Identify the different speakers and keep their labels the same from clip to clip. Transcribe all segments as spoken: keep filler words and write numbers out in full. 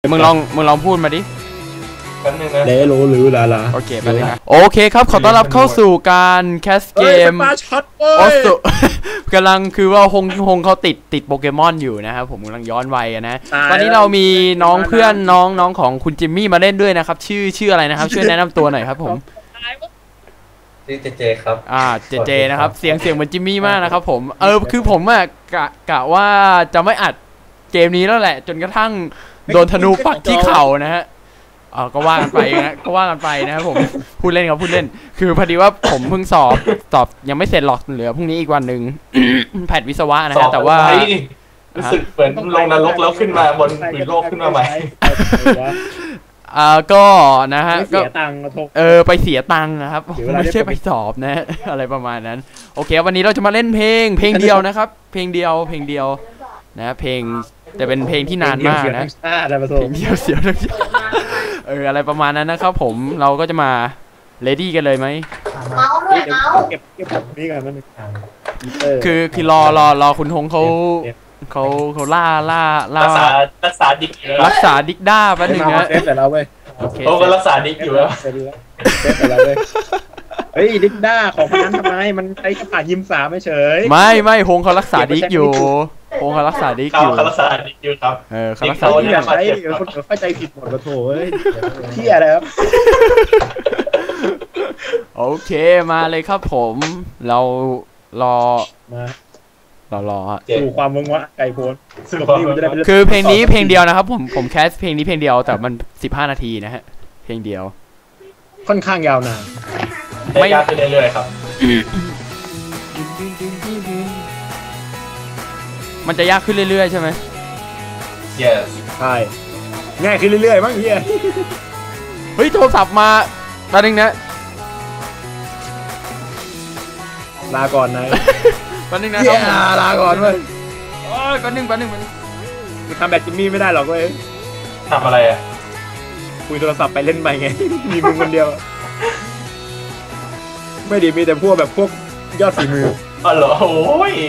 Speaker 1: มึงลองมึงลองพูดมาดิ
Speaker 2: แป๊บนึงนะ
Speaker 3: เลโลหรือลาลา
Speaker 1: โอเคแป๊บนึงนะโอเคครับขอต้อนรับเข้าสู่การแคสเกมโอสุกำลังคือว่าฮงฮงเขาติดติดโปเกมอนอยู่นะครับผมกำลังย้อนวัยนะตอนนี้เรามีน้องเพื่อนน้องน้องของคุณจิมมี่มาเล่นด้วยนะครับชื่อชื่ออะไรนะครับช่วยแนะนำตัวหน่อยครับผม
Speaker 2: ชื่อเจเจครับ
Speaker 1: อ่าเจเจนะครับเสียงเสียงเหมือนจิมมี่มากนะครับผมเออคือผมอะกะกะว่าจะไม่อัดเกมนี้แล้วแหละจนกระทั่งโดนธนูปักที่เข่านะฮะอ๋อก็ว่ากันไปนะก็ว่ากันไปนะครับผมพูดเล่นครับพูดเล่นคือพอดีว่าผมเพิ่งสอบสอบยังไม่เสร็จหรอกเหลือพรุ่งนี้อีกวันหนึ่งแพทวิศวะนะฮะแต่ว่า
Speaker 2: รู้สึกเหมือนลงนรกแล้วขึ้นมาบนผืนโลกขึ้นมาใหม่
Speaker 1: อ่าก็นะฮะก็
Speaker 3: เสียตังค์
Speaker 1: เออไปเสียตังค์นะครับไม่ใช่ไปสอบนะอะไรประมาณนั้นโอเควันนี้เราจะมาเล่นเพลงเพลงเดียวนะครับเพลงเดียวเพลงเดียวนะเพลงแต่เป็นเพลงที่นานมากนะเพลงเดียวเสียวทั้งชาติเอออะไรประมาณนั้นนะครับผมเราก็จะมาเลดี้กันเลยไหม
Speaker 3: เมาด้วยเมาเก็บเก็บแบบนี้กันนั่น
Speaker 1: คือคือรอรอรอคุณฮงเขาเขาเขาล่าล่าล่า
Speaker 2: รักษารักษาดิก
Speaker 1: รักษาดิกด้าแป๊บนึงนะ
Speaker 3: เซฟแต่เราเว้ย
Speaker 2: โอ้ก็รักษาดิกอยู่แล้ว
Speaker 3: เซฟแต่เราเว้ยเฮ้ยดิกด้าของคนนั้นทำไมมันใช้กระป๋ายิมสามไม่เฉย
Speaker 1: ไม่ไม่ฮงเขารักษาดิกอยู่ฮงเขารักษาดิกอยู่
Speaker 2: เขารักษาดิกอยู่ครับ
Speaker 1: เออเขารักษาดิก
Speaker 3: อย่าใช้คนเข้าใจผิดหมดกระโถเฮ้ยเที่ยอะไรครับ
Speaker 1: โอเคมาเลยครับผมเรารอ
Speaker 3: มา
Speaker 1: เรารอ
Speaker 3: สู่ความมึงวะไก่โพน
Speaker 1: คือเพลงนี้เพลงเดียวนะครับผมผมแคสเพลงนี้เพลงเดียวแต่มันสิบห้านาทีนะฮะเพลงเดียว
Speaker 3: ค่อนข้างยาวนาน
Speaker 2: ไม่ยากขึ้นเรื่อยๆครับ
Speaker 1: มันจะยากขึ้นเรื่อยๆใช่ไหม
Speaker 2: yes
Speaker 3: ใช่ง่ายขึ้นเรื่อยๆมั้งเฮีย
Speaker 1: เฮ้ยโทรศัพท์มาตอนนึงนะ
Speaker 3: ลาก่อนนะ
Speaker 1: ตอนนึงนะครับ
Speaker 3: ลาก่อนเว้ย
Speaker 1: โอ้ยตอนนึงตอนนึงมัน
Speaker 3: ทำแบบจิมมี่ไม่ได้หรอกเว้ย
Speaker 2: ทำอะไรอ่ะ
Speaker 3: คุยโทรศัพท์ไปเล่นไปไงมีมึงคนเดียวไม่ดีมีแต่พวกแบบพวกยอดฝีมือ
Speaker 2: อ๋อเหรอโอ้ย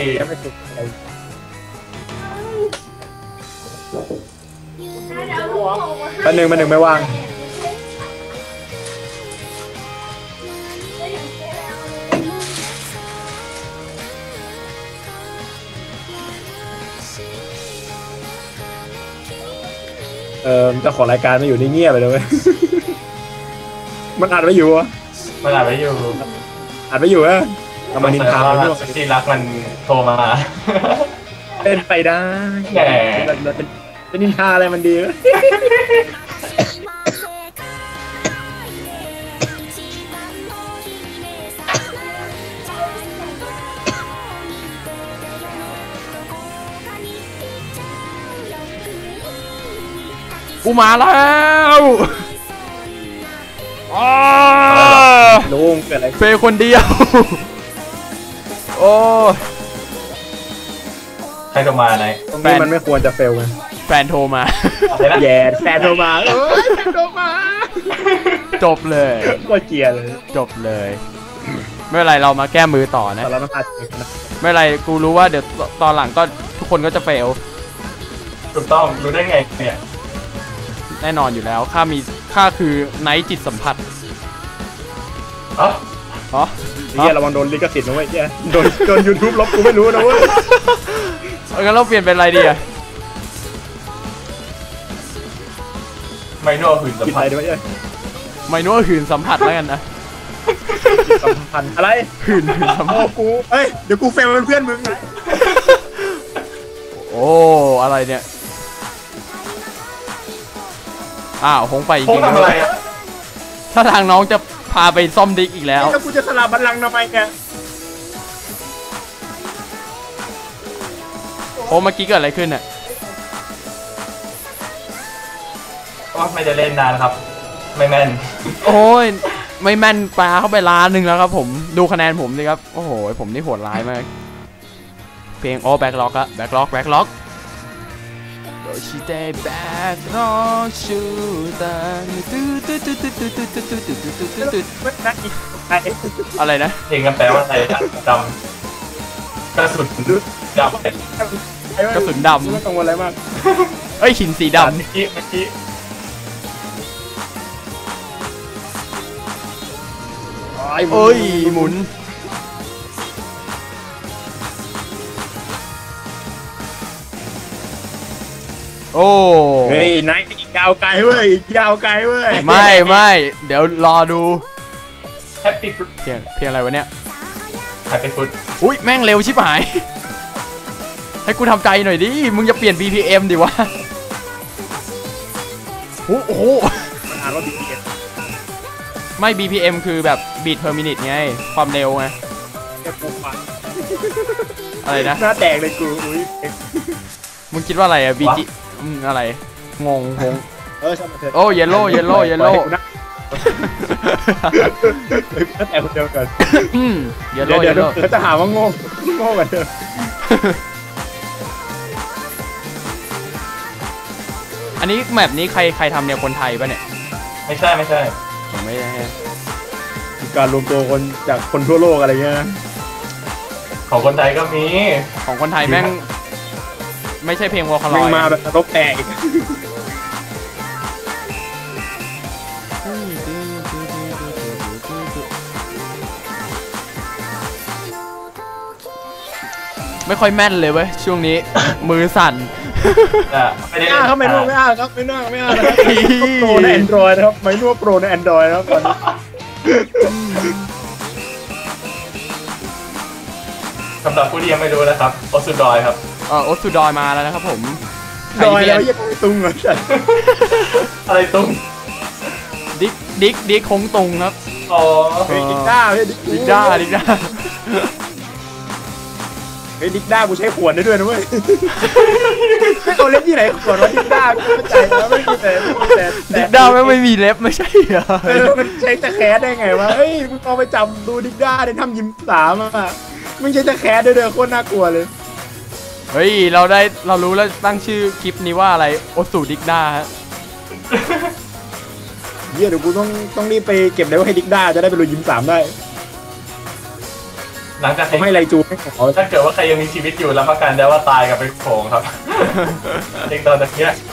Speaker 3: มาหนึ่งมาหนึ่งไม่ว่างเออเจ้าของรายการมาอยู่นี่เงียบไปเลยเว้ยมันอัดไว้อยู่วะ
Speaker 2: มันอัดไว้อยู่
Speaker 3: อัดไว้อยู่อะทำไมนินทา
Speaker 2: มันที่รักมันโทรมา
Speaker 3: เป็นไปได้
Speaker 2: แหม
Speaker 3: เป็นนินทาอะไรมันดี
Speaker 1: กูมาแล้ว
Speaker 3: ลุงเกิดอะไร
Speaker 1: เฟย์คนเดียวโอ้
Speaker 2: ใครโทรมาไหน
Speaker 3: แฟนมันไม่ควรจะเฟลไง
Speaker 1: แฟนโทรมา
Speaker 3: แย่แฟนโทรมาเอ้ยแฟนโทรมา
Speaker 1: จบเลย
Speaker 3: ก็เกลียดเลย
Speaker 1: จบเลยไม่เป็นไรเรามาแก้มือต่อนะไม่เป็นไรกูรู้ว่าเดี๋ยวตอนหลังก็ทุกคนก็จะเฟล
Speaker 2: ถูกต้องรู้ได้ไงเนี่ย
Speaker 1: แน่นอนอยู่แล้วข้ามีข้าคือไนท์จิตสัมผัส
Speaker 2: อ๋อ
Speaker 1: อ๋อ
Speaker 3: เนี่ยระวังโดนลิขสิทธิ์นะเว้ยเนี่ยโดนโดนยูทูบลบกูไม่รู้นะเว้ย
Speaker 1: งั้นเราเปลี่ยนเป็นอะไรดีอะ
Speaker 2: ไมโน่หื่นสัมผัส
Speaker 3: ด้วย
Speaker 1: ไมโน่หื่นสัมผัสแล้วกันนะ
Speaker 3: สัมผัสอะไร
Speaker 1: หื่นหื่นสัมผัส
Speaker 3: กูเฮ้ยเดี๋ยวกูเฟลเป็นเพื่อนมึงนะ
Speaker 1: โอ้อะไรเนี่ยอ้าวคงไปจริงๆเลยถ้าทางน้องจะพาไปซ่อมดิกอีกแล้ว
Speaker 3: แล้วกูจะสลับบัลลังก์ทำไมแก
Speaker 1: โอ้เมื่อกี้เกิดอะไรขึ้นน่ะ
Speaker 2: ก็ไม่ได้เล่นนานครับไม่แม่น
Speaker 1: โอ้ยไม่แม่นปลาเข้าไปล้านหนึ่งแล้วครับผมดูคะแนนผมสิครับโอ้โหผมนี่โหดร้ายมากเพลงโอ้แบ็คล็อกอะแบ็คล็อกแบ็คล็อกชิเตะแบ็คล็อกชูตันตุ๊ดตุ๊ดตุ๊ดตุ๊ดตุ๊ดตุ๊ดตุ๊ดตุ๊ดตุ๊ดตุ๊ดตุ๊ดอะไรนะ
Speaker 2: เพลงกันแปลว่าอะไรดำกระสุนดำ
Speaker 1: กระสุนดำ
Speaker 3: ไม่ต้องอะไรมาก
Speaker 1: เอ้ยหินสีดำ
Speaker 2: เมื่อกี้เมื่อกี้
Speaker 1: เอ้ยหมุนโอ้
Speaker 3: เฮ้ยนายอีกยาวไกลเว้ยอีกยาวไกลเว้ย
Speaker 1: ไม่ไม่เดี๋ยวรอดู
Speaker 2: แฮปปี้ฟุต
Speaker 1: เพียงเพียงอะไรวะเนี่ย
Speaker 2: แฮปปี้ฟุต
Speaker 1: อุ้ยแม่งเร็วชิบหายให้กูทำใจหน่อยดิมึงจะเปลี่ยน บี พี เอ็ม ดิวะโอ้โห
Speaker 3: มันอ่านว่าบีเอส
Speaker 1: ไม่ บี พี เอ็ม คือแบบ beat per minute ไงความเร็วไง
Speaker 3: แค่ปูฟัน
Speaker 1: อะไรนะ
Speaker 3: หน้าแตกเลยกูอุ้ย
Speaker 1: มึงคิดว่าอะไรอะ บี จี อืมอะไรงงงง
Speaker 3: เออช่างมันเถอะ
Speaker 1: โอ้เยลโล่เยลโล่เยลโล่
Speaker 3: หน้าแตกคนเดียวกัน
Speaker 1: อืมเยล
Speaker 3: เดี๋
Speaker 1: โล่
Speaker 3: ยว
Speaker 1: เย
Speaker 3: เดี๋ยว
Speaker 1: ลโล่
Speaker 3: เขาจะหาว่าโง่โง่กันเดิม
Speaker 1: อันนี้แมปนี้ใครใครทำเนี่ยคนไทยปะเนี่ย
Speaker 2: ไม่ใช่ไม่ใช่
Speaker 1: ผมไม่ได้
Speaker 3: มีการรวมตัวคนจากคนทั่วโลกอะไรเงี้ยนะ
Speaker 2: ของคนไทยก็มี
Speaker 1: ของคนไทยแม่งไม่ใช่เพลงวอลคาล
Speaker 3: แม่
Speaker 1: อง ย
Speaker 3: มาแบบนรกแตกอีก
Speaker 1: ไม่ค่อยแม่นเลยเว้ยช่วงนี้ มือสั่น
Speaker 2: อ่ะไม่ได้
Speaker 3: ไม่
Speaker 2: เล่
Speaker 3: อ้าน ครับไม่นู่นไม่อ้าครับไม่น่าไม่อ้านะครับโปรในแอนดรอยนะครับไม่นู่นโปรในแอนดรอยนะครับตอนนี้
Speaker 2: สำหรับผู้ที่ยังไม่รู้นะครับโอสุดอยครับ
Speaker 1: เออโอสุดอยมาแล้วนะครับผม
Speaker 3: ดอยแล้วยังตุ้งเหมือนกัน
Speaker 2: อะไรตุ้ง
Speaker 1: ดิกดิกดิกคงตุงครับ
Speaker 2: อ๋อ
Speaker 3: เฮ้ยดิกด้าเฮ้ยดิก
Speaker 1: ดิกด้าดิกด้า
Speaker 3: เฮ้ยดิกด้ากูใช้ขวดได้ด้วยนะเว้ยไม่เอาเล่นที่ไหนขวดว่าดิกด้ากูเข้าใจแล้วไม่มีแต่ไม่มีแต่
Speaker 1: ดิกด้าไม่ไม่มีเล็บไม่ใช่เหรอ
Speaker 3: เออมันใช้ตะแคสได้ไงวะเฮ้ยมึงเอาไปจำดูดิกด้าในทำยิมสามอ่ะมึงใช้ตะแคสด้วยเด้อโคตรน่ากลัวเลย
Speaker 1: เฮ้ยเราได้เรารู้แล้วตั้งชื่อคลิปนี้ว่าอะไรโอสุดิกด้าฮะ
Speaker 3: เฮียเดี๋ยวกูต้องต้องรีบไปเก็บเลเวลให้ดิกด้าจะได้ไปลุยยิมสามได้
Speaker 2: หลังจาก
Speaker 3: เขาให้ไรจูให้เขา
Speaker 2: ถ้าเกิดว่าใครยังมีชีวิตอยู่รับประกันได้ว่าตายกับไปโขงครับ เด็กตอนตะเกียบ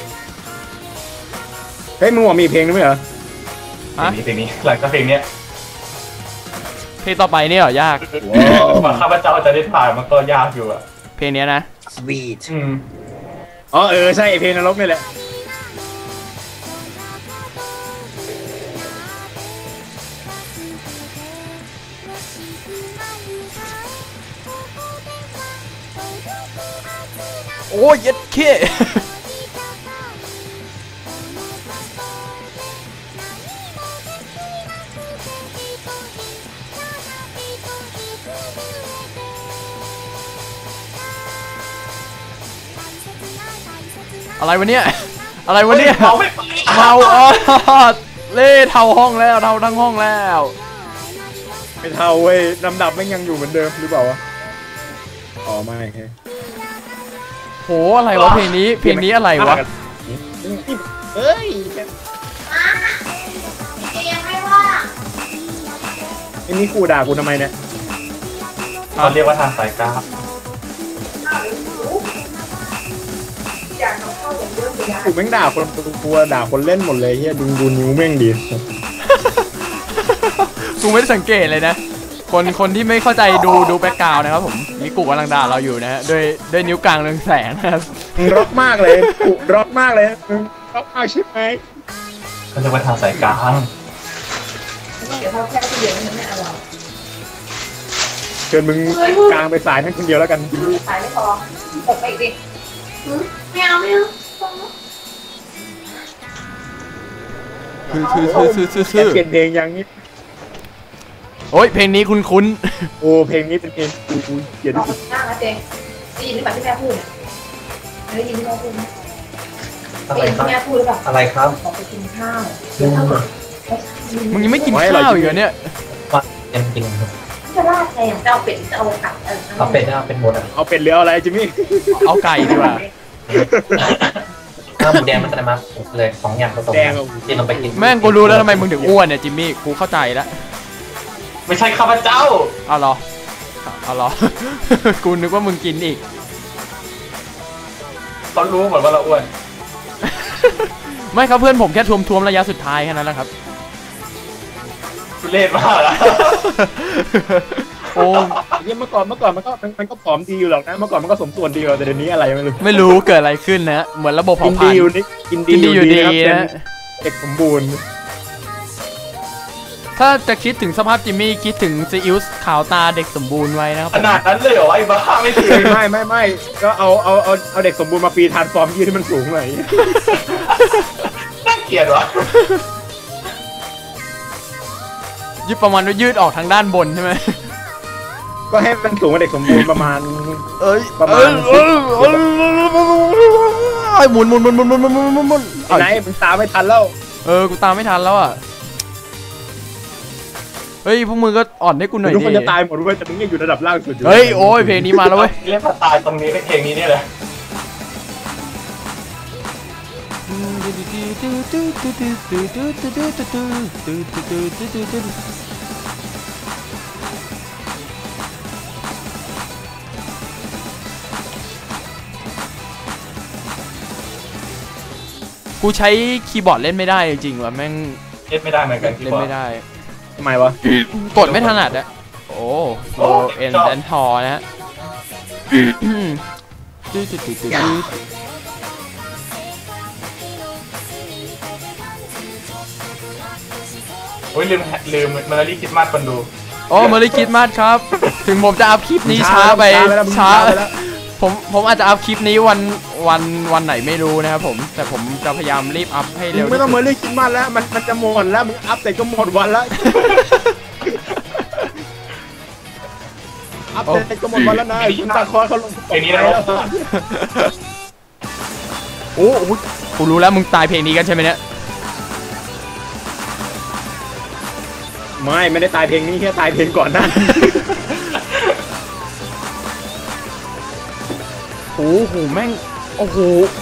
Speaker 3: เฮ้ยมึงบอกมีเพลงด้วยเหรอ
Speaker 1: ฮะ
Speaker 2: เพลงนี้เพลงนี้หลังจากเพลงเนี้ย
Speaker 1: เพลงต่อไปนี่เหรอยาก
Speaker 2: กว่าข้าพเจ้าจะได้ถ่ายมันก็ยากอยู่อ่ะ
Speaker 1: เพลงเนี้ยนะ
Speaker 3: Sweet
Speaker 2: อืม
Speaker 3: อ๋อเออใช่เพลงนรกนี่แหละ
Speaker 1: โอ้ยเย็ดเคอะไรวะเนี่ยอะไรวะเนี่ย
Speaker 2: เมาไม่ไป
Speaker 1: เมาอ๋อเล่เท่าห้องแล้วเท่าทั้งห้องแล้ว
Speaker 3: ไม่เท่าเว้ยลำดับไม่งยังอยู่เหมือนเดิมหรือเปล่าวะอ๋อไม่ใช่
Speaker 1: โหอะไรวะเพลงนี้เพลงนี้อะไรวะ
Speaker 3: เอ้ย
Speaker 4: ยังไม่ว่า
Speaker 3: ไอ้นี่กูด่ากูทำไมเนี่ย
Speaker 2: เขาเรียกว่าทางสายกราฟ
Speaker 4: อยากเข้าอย่างเรื่องเดียว
Speaker 3: กูแม่งด่าคนกลัวด่าคนเล่นหมดเลยเฮียดูดูนิ้วแม่งดี
Speaker 1: กูไม่ได้สังเกตเลยนะ คนคนที่ไม่เข้าใจดูดูแบ็กกราวน์นะครับผมมีกูกำลังด่าเราอยู่นะฮะด้วยด้วยนิ้วกลางเรืองแสงนะครับ
Speaker 3: มึงร็อกมากเลยกูร็อกมากเลยมึงร็อกมากใช่ไหม
Speaker 2: เขาเรียกว่าทางสายกลาง
Speaker 4: เดี๋ยวเขาแค่ที่เดียวมันไม่อร่อย
Speaker 3: เชิญมึงกลางไปสายนั่นคนเดียวแล้วกัน
Speaker 4: ขายไม่พอตกไปอีกดิไม่เอาไม่เอา
Speaker 1: คือคือคือคือคือ
Speaker 3: แกเปลี่ยนเพลงยังนี่
Speaker 1: โอ้ยเพลงนี้คุ้นคุ้น
Speaker 3: โอ้เพลงนี้เป็นเพลงกูกูเกลียด
Speaker 4: บอ
Speaker 3: ที่
Speaker 4: ก
Speaker 3: สุด
Speaker 4: หน้านะเจได้ยินหรือเปล่าที่แม่พูดได้ยินที่แม่พูดไหมได้ยินที่แม่พูดหรือเปล่า
Speaker 2: อะไรครับ
Speaker 4: บอกไปกินข้าวเดี๋ยวถ้า
Speaker 1: ๆมึงยังไม่กินข้าวอีกเหรอเนี่ย
Speaker 2: ว่าเป็นจริงครับ
Speaker 4: จะลาดไงจะเอาเป็ดจะเอาไก่เออ
Speaker 2: เอาเป็ดเอาเป็นหมดอ่ะ
Speaker 3: เอาเป็ดเรืออะไรจิมมี่
Speaker 1: เอาไก่ดีกว่า
Speaker 5: ข้าวหมูแดงมันจะมาเลยสองอย่างผสม
Speaker 3: แด
Speaker 5: กั
Speaker 3: ง
Speaker 5: น
Speaker 3: อ่ะ
Speaker 5: ที่เราไปกิน
Speaker 1: แม่งกูรู้แล้วทำไมมึงถึงอ้วนเนี่ยจิมมี่กูเข้าใจแล้ว
Speaker 2: ไม่ใช่ข้าพเจ้า
Speaker 1: เอาเหรอเอาเหรอ กูนึกว่ามึงกินอีก
Speaker 2: เขารู้หมดว่าเราอ้วน
Speaker 1: ไม่ครับเพื่อนผมแค่ทวมๆระยะสุดท้ายแค่นั้นแหละครับ
Speaker 2: ทุเรศมากนะ
Speaker 1: โอ้
Speaker 3: เมื่อก่อนเมื่อก่อนมันก็มันก็ผอมดีอยู่หรอกนะเมื่อก่อนมันก็สมส่วนดีอยู่แต่เดี๋ยวนี้อะไรไม่รู้
Speaker 1: ไม่รู้เกิดอะไรขึ้นนะเหมือนระบบ
Speaker 3: กิ
Speaker 1: เผาน ผลา
Speaker 3: ดี
Speaker 1: ญ
Speaker 3: อยู่นี่กินดี
Speaker 1: กินดีอยู่ดี
Speaker 3: นะครับ
Speaker 1: นะ
Speaker 3: เป็นเด็กสมบูรณ์
Speaker 1: ถ้าจะคิดถึงสภาพจิมมี่คิดถึงซีอิ๊วขาวตาเด็กสมบูรณ์ไว้นะครับ
Speaker 2: ขนาดนั้นเลยเหรอไอ้บ้าไม่ถึง
Speaker 3: ไม่ไม่ไม่ก็เอาเอาเอาเอาเด็กสมบูรณ์มาปีทานฟอร์มยืดให้มันสูงหน่อย
Speaker 2: น่าเกลียดวะ
Speaker 1: ยืดประมาณว่ายืดออกทางด้านบนใช่ไหม
Speaker 3: ก็ให้มันสูงกว่าเด็กสมบูรณ์ประมาณ
Speaker 1: เอ้ย
Speaker 3: ประมาณ
Speaker 1: เอ้ยเอ้ยเอ้ยหมุนหมุนหมุนหมุนหมุนหมุนหมุนหมุนหมุน
Speaker 3: ไอ้ไหนมึงตามไม่ทันแล้ว
Speaker 1: เออกูตามไม่ทันแล้วอ่ะเฮ้ยพวกมึงก็อ่อนให้กูหน่อย
Speaker 3: ทุก
Speaker 1: ดิ
Speaker 3: คนจะตายหมดเว้ยแต่มึงยังอยู่ระดับล่างสุดอยู่
Speaker 1: เฮ้ยโอ้ยเพลงนี้มาแล้วเว้ย
Speaker 2: เรียกว่าตายตรงนี้ในเพลงนี้เนี่ยเลย
Speaker 1: กูใช้คีย์บอร์ดเล่นไม่ได้จริงๆว่ะแม่ง
Speaker 2: เล่นไม่ได้เหมือนกันที่
Speaker 1: เล่น
Speaker 2: บอก
Speaker 1: ไม่ได้
Speaker 3: ทำไมวะ
Speaker 1: กดไม่ถนัดอะโอ้โลเอ็นแดนทอนะฮะตื้อตื้อตื้อตื้อ
Speaker 2: โอ้ยลืมลืมเมอร์รี่คริสต์มาสคนดู
Speaker 1: โอ้มาริคิดมาสครับ ถึงผมจะอัพคลิปนี้ช้าไปช้าผมผมอาจจะอัพคลิปนี้วันวันวันไหนไม่รู้นะครับผมแต่ผมจะพยายามรีบอัพให้
Speaker 3: มึ
Speaker 1: เร็
Speaker 3: ง
Speaker 1: ว
Speaker 3: ไม่ต้อง
Speaker 1: ที่
Speaker 3: มา
Speaker 1: สุด
Speaker 3: เรียกคิดมากแล้วมันมันจะหมดแล้วมึงอัพแต่ก็หมดวันแล้วอัพแต่ก็หมดวันแล้วนะคุณตาคอเขาลง
Speaker 2: เพลงนี้นะครับ
Speaker 1: โอ้โหกูรู้แล้วมึงตายเพลงนี้กันใช่ไหมเนี่ย
Speaker 3: ไม่ไม่ได้ตายเพลงนี้แค่ตายเพลงก่อนหน้า
Speaker 1: โอ้โหแม่งโอ้โห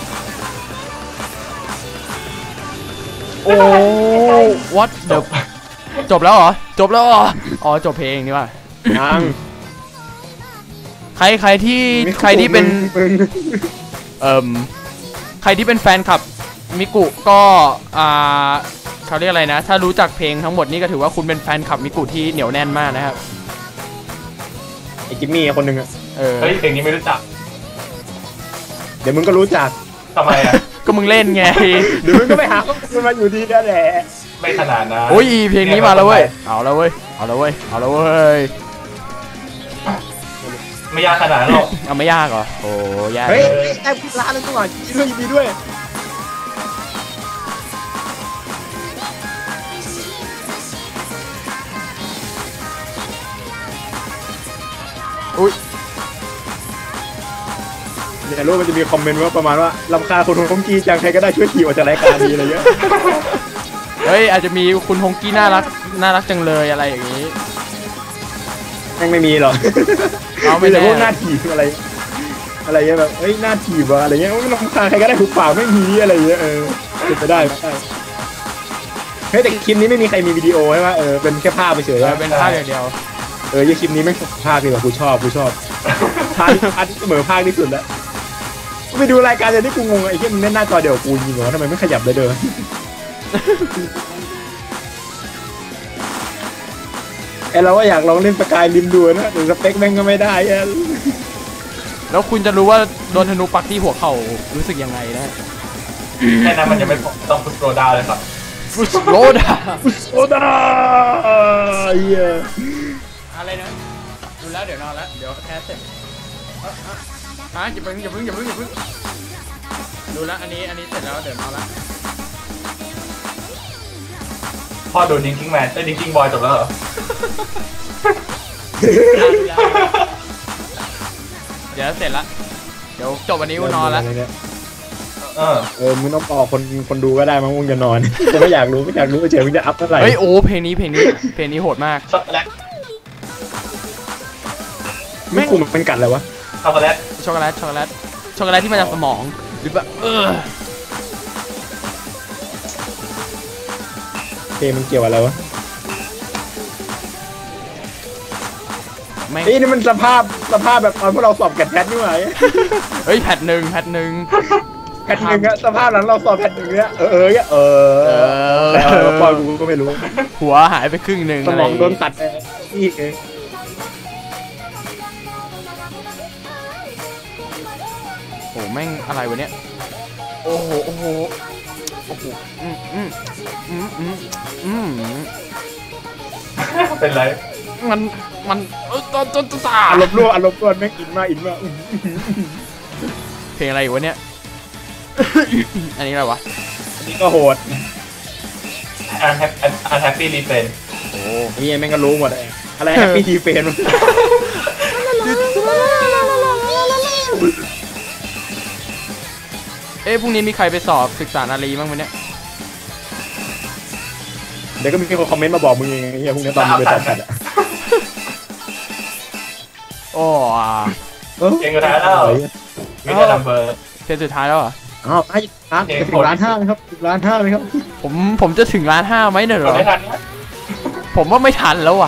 Speaker 1: โอ้ what the จบแล้วเหรอจบแล้วเหรออ๋อจบเพลงนี่ว่ะ
Speaker 3: ยัง
Speaker 1: ใครใครที่ใครที่เป็น
Speaker 3: มึง
Speaker 1: เอ่มใครที่เป็นแฟนคลับมิกุก็อ่าเขาเรียกอะไรนะถ้ารู้จักเพลงทั้งหมดนี่ก็ถือว่าคุณเป็นแฟนคลับมิกุที่เหนียวแน่นมากนะครับ
Speaker 3: ไอ้จิมมี่คนหนึ่งอะ
Speaker 1: เออ
Speaker 2: เฮ้ยเพลงนี้ไม่รู้จัก
Speaker 3: เดี๋ยวมึงก็รู้จัก
Speaker 2: ทำไมอ่ะ
Speaker 1: ก็มึงเล่นไง
Speaker 3: เดี๋ยวมึงก็ไปหาข้อมูลมาอยู่ดีนั่นแหละ
Speaker 2: ไม่ขนาดนะ
Speaker 1: โอ้ยเพลงนี้มาแล้วเว้ยเอาแล้วเว้ยเอาแล้วเว้ยเอาแล้วเว้ย
Speaker 2: ไม่ยากขนาดนั้นหรอก
Speaker 1: เอาไม่ยากเหรอโอ้ยาก
Speaker 3: เฮ้ยแอบร้านนึงก่อนยินดียินดีด้วย
Speaker 1: อุ้ย
Speaker 3: เนี่ยรู้มันจะมีคอมเมนต์ว่าประมาณว่ารำคาญคนของกีจังใครก็ได้ช่วยขี่ออกจากรายการดีอะไรเงี้ย
Speaker 1: เฮ้ยอาจจะมีคุณฮงกี้น่ารักน่ารักจังเลยอะไรอย่างนี้
Speaker 3: แม่งไม่มีหรอก
Speaker 1: เอาไม่
Speaker 3: แต่
Speaker 1: แน่
Speaker 3: พวกหน้าถีบอะไร อะไรเงี้ยแบบเฮ้ยหน้าถีบอะไรเงี้ยไม่รำคาญใครก็ได้ถูกปากไม่มีอะไรเงี้ยเออเป็นไปได้ไหมเฮ้ยแต่คลิปนี้ไม่มีใครมีวิดีโอใช่ไหมเออเป็นแค่ภาพไปเฉย
Speaker 1: เออเป็นภาพอย่างเดียว
Speaker 3: เออยี่คลิปนี้แม่งภาพดีกว่ากูชอบกูชอบภาพภาพที่เสมอภาคที่สุดแล้วไปดูรายการอย่างที่กูงงไอ้ที่มึงเล่นหน้าจอเดียวกูยิงเหรอทำไมไม่ขยับเลยเด้อไอเราก็อยากลองเล่นสกายริมดูนะแต่สเปคแม่งก็ไม่ได้อะ
Speaker 1: แล้วคุณจะรู้ว่าโดนธนูปักที่หัวเข่ารู้สึกยังไงนะ
Speaker 2: แค่นั้นมันจะไม่ต้องฟุตโรดาเลยครับ
Speaker 1: ฟุชโรดา
Speaker 3: โอ้ดาเฮีย
Speaker 1: อะไรนะดูแล้วเดี๋ยวนอนแล้วเดี๋ยวแคสเสร็จฮะอย่าเพิ่งอย่าเพิ่งอย่าเพิ่งอย่าเพิ่งดูแล้วอันนี้อันนี้เสร็จแล้วเดี๋ยวนอนแล้ว
Speaker 2: พ่อดูดิงกิ้งแมนได้ดิงกิ้งบอยจบแล้วเหรอ
Speaker 1: เดี๋ยวเสร็จละเดี๋ยวจบวันนี้กูนอนแล้ว
Speaker 2: เออ
Speaker 3: เออมึงต้องบอกคนคนดูก็ได้มั้งมึงจะนอนจะไม่อยากรู้ไม่อยากรู้เฉยมึงจะอัพเท่าไหร่
Speaker 1: เฮ้ยโอ้เพลงนี้เพลงนี้เพลงนี้โหดมาก
Speaker 2: ช็อกโกแลต
Speaker 3: ไม่คุมเป็นกัดเลยวะ
Speaker 2: ช็อกโกแลต
Speaker 1: ช็อกโกแลตช็อกโกแลตช็อกโกแลตที่มาจากสมองหรือแบบเออ
Speaker 3: เพลงมันเกี่ยวอะไรวะ
Speaker 1: แม่ง
Speaker 3: เฮ้ยนี่มันสภาพสภาพแบบตอนพวกเราสอบแกดแพทนี่หว่า
Speaker 1: เฮ้ยแพทหนึ่งแพทหนึ่ง
Speaker 3: แพผ่นหนึ่งอะสภาพหลังเราสอบแผ่นหนึ่งเนี่ยเออเออเออ
Speaker 1: เอ
Speaker 3: แต่เออ
Speaker 1: อ
Speaker 3: ปอยกูก็ไม่รู้
Speaker 1: หัวหายไปครึ่งหนึ่ง
Speaker 3: ส
Speaker 1: อะไร
Speaker 3: ม
Speaker 1: อ
Speaker 3: อง
Speaker 1: ย่าง
Speaker 3: โดน
Speaker 1: งี้
Speaker 3: ตัดอีกเอง
Speaker 1: โอ้แม่งอะไรวะเนี่ยโอ้โหโอ้โหโอ้โหอืมอืมอืมอืมอืม
Speaker 2: เป็นไร
Speaker 1: มันมันเออตอนตอนตา
Speaker 3: อารมณ์ร่วอารมณ์ร่วนแม่งอินมากอินมาก
Speaker 1: เพลงอะไรอยู่วะเนี่ย อันนี้อะไรวะ
Speaker 3: อันนี้ก็โหด
Speaker 2: อันแฮปอันแฮปปี้รีเฟน
Speaker 1: โอ้
Speaker 3: นี่แม่งก็รู้หมดเลยอะไรแฮปปี้ดีเฟน
Speaker 1: เอ๊ะพรุ่งนี้มีใครไปสอบศึกษานารีบ้างไหมเนี่ย
Speaker 3: เดี๋ยวก็มีคนคอมเมนต์มาบอกมึงเองไอ้เหี้ยพวกนี้ตอนมึงไปสอบกันอะ
Speaker 1: โอ้
Speaker 2: เก่งกว่าท้ายแล้ววินเทอร์นัมเบอร์
Speaker 1: เทปสุดท้ายแล้วเหรอ
Speaker 3: อ้าวไอ้ร้านจะถึงร้านห้าไหมครับถึงร้านห้าไหมครับ
Speaker 1: ผมผมจะถึงล้านห้าไหมเนี่ยเหร
Speaker 2: กด
Speaker 1: อ
Speaker 2: ไม่ทันนะ
Speaker 1: ผมว่าไม่ทันแล้วอ่ะ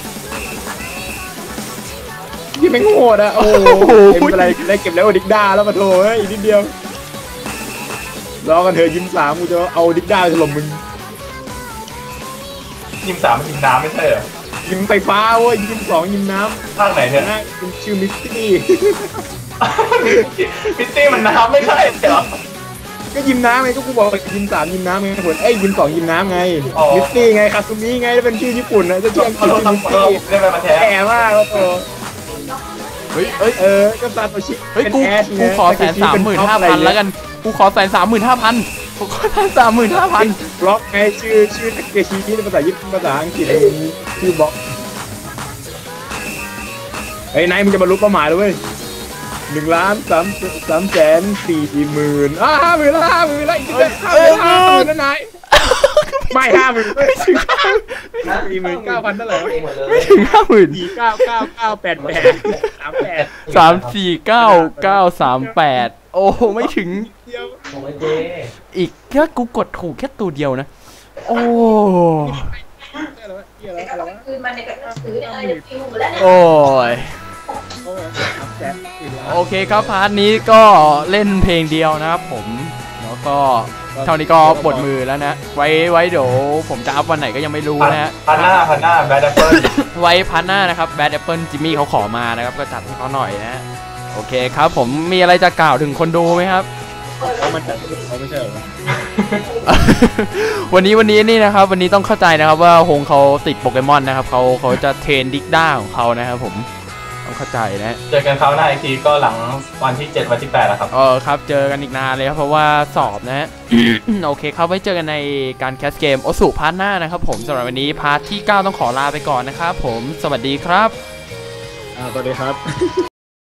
Speaker 3: ยี่แม่งโหดอะโอ้โหเก็บอะไรได้เก็บแล้วดิกด้าแล้วมาโถเฮ้ยอีกนิดเดียวรอกันเถอะยิ้มสามกูจะเอาดิกด้าถล่มมึง
Speaker 2: ยิมสามมันยิมน้ำไม่ใช่เหรอ
Speaker 3: ยิ้มไฟฟ้าเว้ยยิ้มสองยิ้มน้
Speaker 2: ภาคไหน
Speaker 3: ำ
Speaker 2: เนี่ย
Speaker 3: นะยิ้มชื่อมิสตี้
Speaker 2: พิตตี้มันน้ำไม่ใช่เหรอ
Speaker 3: ก็ยิ้มน้ำไงก็กูบอกยิ้มสามยิ้มน้ำไงผลเอ้ยยิ้มสองยิ้มน้ำไง
Speaker 2: อ๋อ
Speaker 3: มิสตี้ไงคาซูมิไงแล้วเป็นชื่อญี่ปุ่นนะจะชื่ออังก
Speaker 2: ขอ
Speaker 3: ฤษ
Speaker 2: โทษ
Speaker 3: ชื่อ
Speaker 2: ครับ
Speaker 3: มิส
Speaker 2: ขอโท
Speaker 3: ตี้
Speaker 2: ษได้ไหมมาแท้
Speaker 3: แก่มากแล้วโต
Speaker 1: เฮ้ยเฮ้ย
Speaker 3: เออก็ซาโตชิ
Speaker 1: เฮ้ย
Speaker 3: เป็น
Speaker 1: กู
Speaker 3: แอช
Speaker 1: กูขอแสนสามหมื่นห้าพันแล้วกัน กูขอแสนสามหมื่นห้าพันกูขอแสนสามหมื่นห้าพัน
Speaker 3: บล็อกไงชื่อชื่อทาเกชิที่ภาษาญี่ปุ่นภาษาอังกฤษอะไรอย่างนี้ชื่อบล็อกเฮ้ยนายมึงจะบรรลุเป้าหมายแล้วเว้ยหนึ่งล้านสามสามแสนสี่หมื่นอ่าห้าหมื่นละห้าหมื่นละอีกนิดเดียวห้าหมื่นห้าหมื่นนะนายไม่ห้าหมื่นไม่ถึงสี่หมื่นเก้าพันเท่าไหร่
Speaker 5: เองหมดเลย
Speaker 1: ไม่ถึงห้าหมื่น
Speaker 3: สี่เก้าเก้าเก้าแปดแปดสามแปด
Speaker 1: สามสี่เก้าเก้าสามแปดโอ้ไม่ถึง
Speaker 3: เดียว
Speaker 5: โอ้ยเจ๊
Speaker 1: อีกแค่กูกดถูกแค่ตัวเดียวนะ โอ้
Speaker 3: อะไรวะเหี้ยอะไร
Speaker 4: แต่
Speaker 3: อะไร
Speaker 4: ก็
Speaker 3: วะ
Speaker 4: คืนมันในกระสือเนี่ยอะไรฟิวหมดแล้วเนี่ย
Speaker 1: โอ้ย
Speaker 3: โอ้สามแสนสี่ล้าน
Speaker 1: โอเคครับพาร์ทนี้ก็เล่นเพลงเดียวนะครับผมแล้วก็เท่านี้ก็ปวดมือแล้วนะ ไว้ไว้เดี๋ยวผมจะอัพวันไหนก็ยังไม่รู้นะฮะ
Speaker 2: พันหน้าพันหน้าแบดแอปเปิล
Speaker 1: ไว้พาร์ทหน้านะครับแบดแอปเปิลจิมมี่เขาขอมานะครับก็จัดให้เขาหน่อยนะ โอเคครับผมมีอะไรจะกล่าวถึงคนดูไหมครับ
Speaker 3: เขามันจัดเขาไม่ใช่เหรอ
Speaker 1: วันนี้วันนี้นี่นะครับ วันนี้ต้องเข้าใจนะครับว่าฮงเขาติดโปเกมอนนะครับเขาเขาจะเทรนดิกด้าของเขานะครับผมต้องเข้าใจนะ
Speaker 2: เจอกันคราวหน้าอีกทีก็หลังวันที่เจ็ดวันที่แปดแล้วครับ
Speaker 1: เออครับเจอกันอีกนานเลยครับเพราะว่าสอบนะฮะ โอเคครับไว้เจอกันในการแคสเกมโอสุพาร์ทหน้านะครับผมสำหรับวันนี้พาร์ทที่เก้าต้องขอลาไปก่อนนะครับผมสวัสดีครับ
Speaker 3: อ่าสวัสดีครับ